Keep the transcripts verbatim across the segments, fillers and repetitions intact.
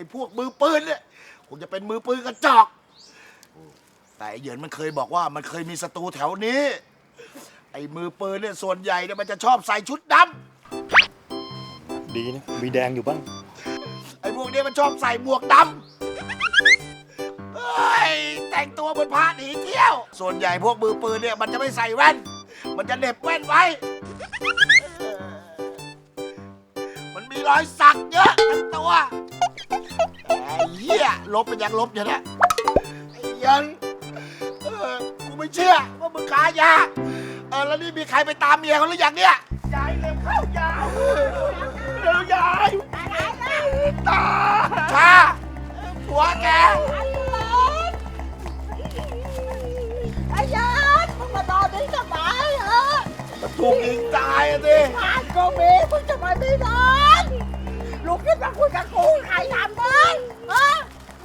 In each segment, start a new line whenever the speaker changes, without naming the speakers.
อ้พวกมือปืนเนี่ยคงจะเป็นมือปืนกระจอกแต่ไอ้เหยินมันเคยบอกว่ามันเคยมีศัตรูแถวนี้ไอ้มือปืนเนี่ยส่วนใหญ่เนี่ยมันจะชอบใส่ชุดดำ
ดีนะมีแดงอยู่บ้าง
ไอ้พวกนี้มันชอบใส่หมวกดำเฮ้ยแต่งตัวเหมือนพระหนีเที่ยวส่วนใหญ่พวกมือปืนเนี่ยมันจะไม่ใส่แว่นมันจะเหน็บแว่นไว้มันมีรอยสักเยอะทั้งตัวไอ้เหี้ยลบเป็นยังลบอยู่นะไอ้ยันเออกูไม่เชื่อว่ามึงขายยาเออแล้วนี่มีใครไปตามเมียเขาหรือยังเนี่ยยายเร็วเข้ายาวเร็วยายตาชาผัวแก
ไอ้ยันมึงมานอนนี่ทำไมเหรอ
มันถูกยิงตายอ่ะสิ
บ้านก็มีมึงจะมาไม่นอนลูกคิดว่าคุยกับกูใครทำมึงฮะ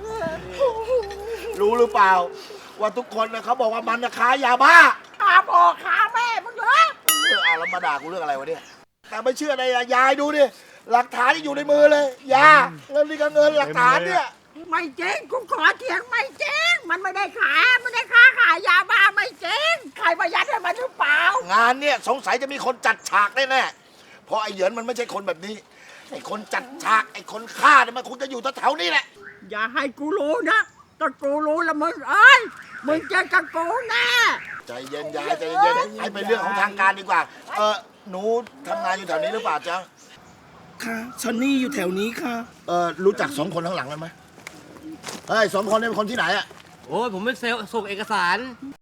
รู้หรือเปล่าว่าทุกคนนะเขาบอกว่ามันนะค้ายาบ้า
ขาพ่อขาแม่มึงเหรอ
เรื่องอะไรมาด่ากูเรื่องอะไรวะเนี่ยแต่ไม่เชื่อในยายดูดิหลักฐานที่อยู่ในมือเลยยาแล้วนี่ก็เงินหลักฐานเนี่ย
ไม่จริงกูขอเถียงไม่จริงมันไม่ได้ขายไม่ได้ค้าขายยาบ้าไม่จริงใครมายัดให้มันหรือเปล่าง
านเนี่ยสงสัยจะมีคนจัดฉากแน่ๆเพราะไอ้เหยินมันไม่ใช่คนแบบนี้ไอ้คนจัดฉากไอ้คนฆ่าเนี่ยมันคงจะอยู่แถวๆนี้แหละ
อย่าให้กูรู้นะถ้ากูรู้แล้วมึงเอ้ยมึงเจอกับกูแน่
ใจเย็นยายใจเย็นให้เป็นเรื่องของทางการดีกว่าเออหนูทำงานอยู่แถวนี้หรือเปล่าจ๊ะ
ค่ะซันนี่อยู่แถวนี้ค่ะ
เออรู้จักสองคนข้างหลังกันไหมเฮ้ยสองคนนี้เป็นคนที่ไหนอะ
โอ้ยผมเป็นเซลล์ส่งเอกสาร